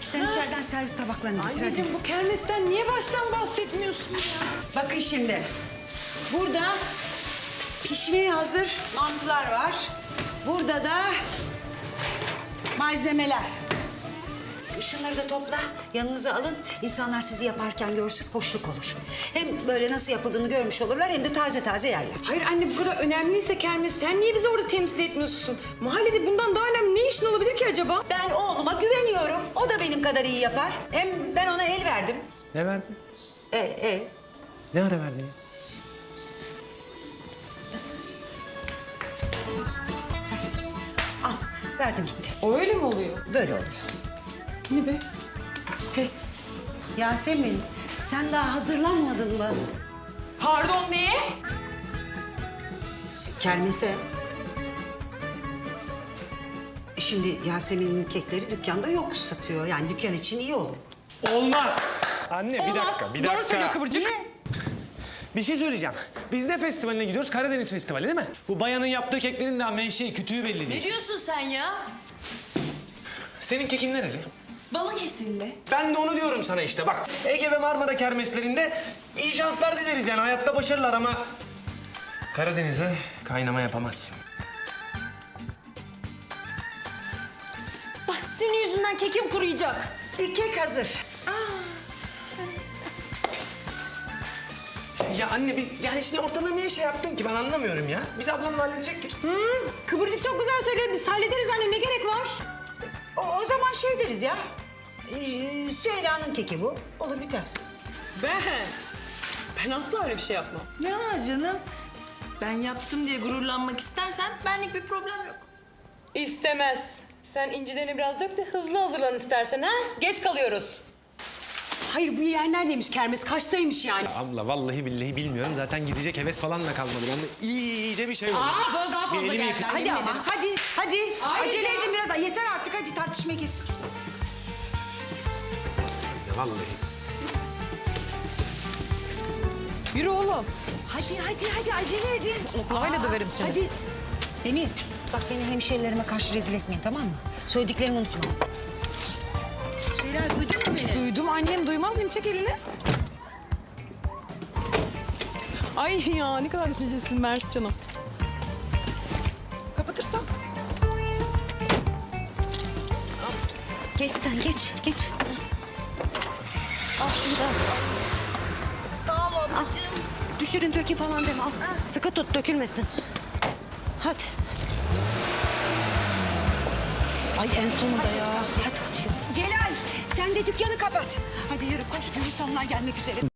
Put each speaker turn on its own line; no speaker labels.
Sen içeriden servis tabaklarını getir hadi.
Anneciğim bu kermesten niye baştan bahsetmiyorsun ya?
Bakın şimdi. Burada pişmeye hazır mantılar var. Burada da malzemeler. Şunları da topla, yanınıza alın. İnsanlar sizi yaparken görsün, hoşluk olur. Hem böyle nasıl yapıldığını görmüş olurlar hem de taze taze yerler.
Hayır anne, bu kadar önemliyse kermes sen niye bizi orada temsil etmiyorsun? Mahallede bundan daha önemli ne işin olabilir ki acaba?
Ben oğluma güveniyorum. O da benim kadar iyi yapar. Hem ben ona el verdim.
Ne verdin?
Ne
ara verdin?
Al, verdim gitti.
O öyle mi oluyor?
Böyle oluyor.
Ne be? Pes.
Yasemin, sen daha hazırlanmadın mı?
Pardon, neye?
Kermese. Şimdi Yasemin'in kekleri dükkanda yok satıyor. Yani dükkan için iyi olur.
Olmaz. Anne bir
Olmaz.
dakika, bir
Doğru
dakika.
söylüyor Kıvırcık.
Niye?
Bir şey söyleyeceğim. Biz ne festivaline gidiyoruz? Karadeniz Festivali değil mi? Bu bayanın yaptığı keklerin daha menşei, kütüğü belli değil.
Ne diyorsun sen ya?
Senin kekin nereli?
Balıkesirli.
Ben de onu diyorum sana işte bak. Ege ve Marmara kermeslerinde iyi şanslar dileriz yani. Hayatta başarılar ama... Karadeniz'e kaynama yapamazsın.
Bak senin yüzünden kekim kuruyacak.
Kek hazır.
Ya anne biz yani şimdi ortalığı niye şey yaptın ki ben anlamıyorum ya. Biz ablamla halledecektik.
Kıvırcık çok güzel söylüyor. Biz hallederiz anne, ne gerek var?
O zaman şey deriz ya. Süheyla'nın keki bu. Olur biter.
Ben asla öyle bir şey yapmam.
Ne var canım? Ben yaptım diye gururlanmak istersen benlik bir problem yok.
İstemez. Sen incilerini biraz dök de hızlı hazırlan istersen ha? Geç kalıyoruz. Hayır, bu yer neredeymiş kermes? Kaçtaymış yani?
Abla vallahi billahi bilmiyorum. Zaten gidecek heves falan da kalmadı. Ben de iyice bir şey oldu.
Bana daha fazla
Bir elimi
geldi.
yıkayayım.
Hadi ama hadi.
Ayrıca-
Acele edin biraz. Yeter artık hadi tartışmayı kes.
Vallahi.
Yürü oğlum.
Hadi acele edin.
Oklavayla döverim seni.
Hadi. Demir bak beni hemşerilerime karşı rezil etmeyin tamam mı? Söylediklerimi unutma. Süheyla duydun mu beni?
Duydum annem, duymaz mıyım? Çek elini. Ay ya, ne kadar düşüncelisin Mersi canım. Kapatırsan.
Geç sen geç. Al şunu da.
Sağ ol ablacığım.
Düşürün dökün falan deme al. Sıkı tut dökülmesin. Hadi. Ay en sonunda ya. Hadi yürü. Celal sen de dükkanı kapat. Hadi yürü koş görürse onlar gelmek üzere.